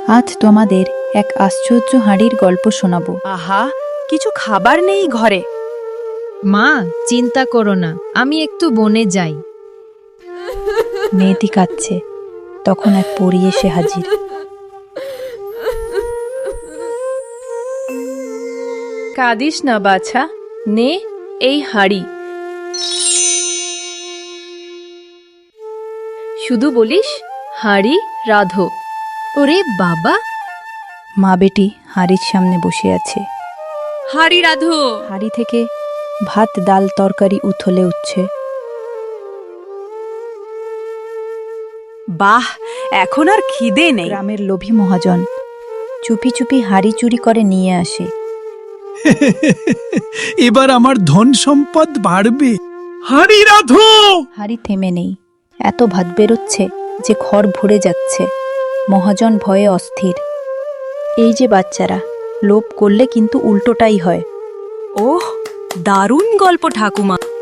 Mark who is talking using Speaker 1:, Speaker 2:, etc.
Speaker 1: আজ তোমাদের এক আশ্চর্য হাঁড়ির গল্প শোনাবো।
Speaker 2: আহা, কিছু খাবার নেই ঘরে।
Speaker 3: মা, চিন্তা করো না, আমি একটু বনে যাই।
Speaker 1: মেয়েটি কাঁদছে, তখন এক পরী এসে হাজির।
Speaker 2: কাঁদিস না বাছা, নে এই হাঁড়ি। শুধু বলিস হাঁড়ি রাধো।
Speaker 3: ওরে বাবা,
Speaker 1: মা বেটি হাঁড়ির সামনে বসে আছে।
Speaker 2: হাঁড়ি রাধো।
Speaker 1: হাঁড়ি থেকে ভাত ডাল তরকারি উথলে উঠছে।
Speaker 2: বাহ, এখন আর খিদে নেই।
Speaker 1: গ্রামের লোভী মহাজন চুপি চুপি হাঁড়ি চুরি করে নিয়ে আসে।
Speaker 4: এবার আমার ধন সম্পদ বাড়বে। হাঁড়ি রাধো।
Speaker 1: হাঁড়ি থেমে নেই, এত ভাত বেরোচ্ছে যে ঘর ভরে যাচ্ছে। মহাজন ভয়ে অস্থির। এই যে বাচ্চারা, লোভ করলে কিন্তু উল্টোটাই হয়।
Speaker 2: ওহ, দারুণ গল্প ঠাকুমা।